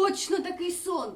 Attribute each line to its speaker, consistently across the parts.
Speaker 1: точно такий сон.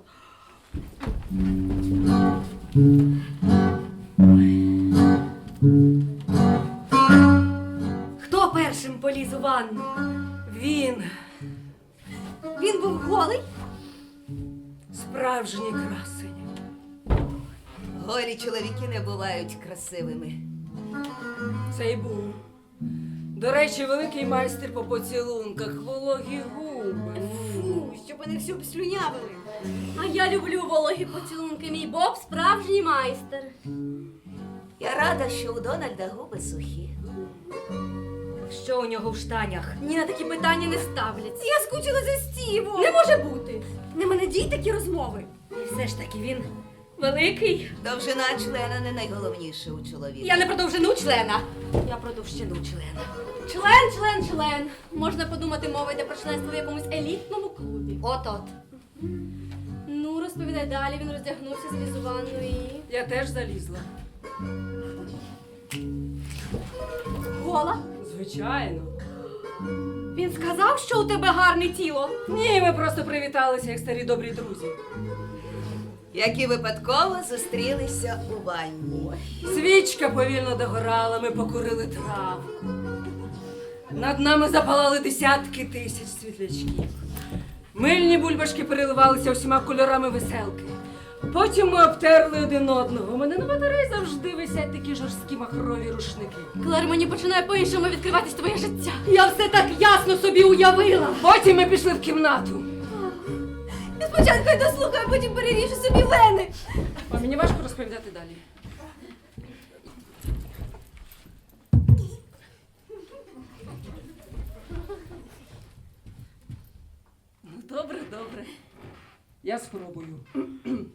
Speaker 1: Хто першим поліз у ванну?
Speaker 2: Він.
Speaker 1: Він був голий?
Speaker 2: Справжній красень.
Speaker 3: Голі чоловіки не бувають красивими.
Speaker 2: Це й був. До речі, великий майстер по поцілунках, вологі губи.
Speaker 1: Фу, щоб вони всю обслюнявили. А я люблю вологі поцілунки. Мій Боб справжній майстер.
Speaker 3: Я рада, що у Дональда губи сухі.
Speaker 1: Що у нього в штанях? Ні, на такі питання не ставляться. Я скучила за Стівом. Не може бути. Не мене дій такі розмови. І все ж таки він великий.
Speaker 3: Довжина члена не найголовніше у чоловіка.
Speaker 1: Я не про довжину члена. Я про товщину члена. Член. Можна подумати, мова йде про членство в якомусь елітному клубі. От-от. Ну, розповідай далі. Він роздягнувся, зліз у ванну і...
Speaker 2: Я теж залізла.
Speaker 1: Гола?
Speaker 2: Звичайно.
Speaker 1: Він сказав, що у тебе гарне тіло.
Speaker 2: Ні, ми просто привіталися, як старі добрі друзі.
Speaker 3: Які випадково зустрілися у ванні.
Speaker 2: Свічка повільно догорала, ми покурили травку. Над нами запалали десятки тисяч світлячків. Мильні бульбашки переливалися всіма кольорами веселки. Потім ми обтерли один одного. У мене на батареї завжди висять такі жорсткі махрові рушники.
Speaker 1: Клер, мені починає по-іншому відкриватись твоє життя. Я все так ясно собі уявила.
Speaker 2: Потім ми пішли в кімнату.
Speaker 1: Я спочатку й дослухаю, а потім переріжу собі вени.
Speaker 2: А мені важко розповідати далі. Ну, добре. Я спробую.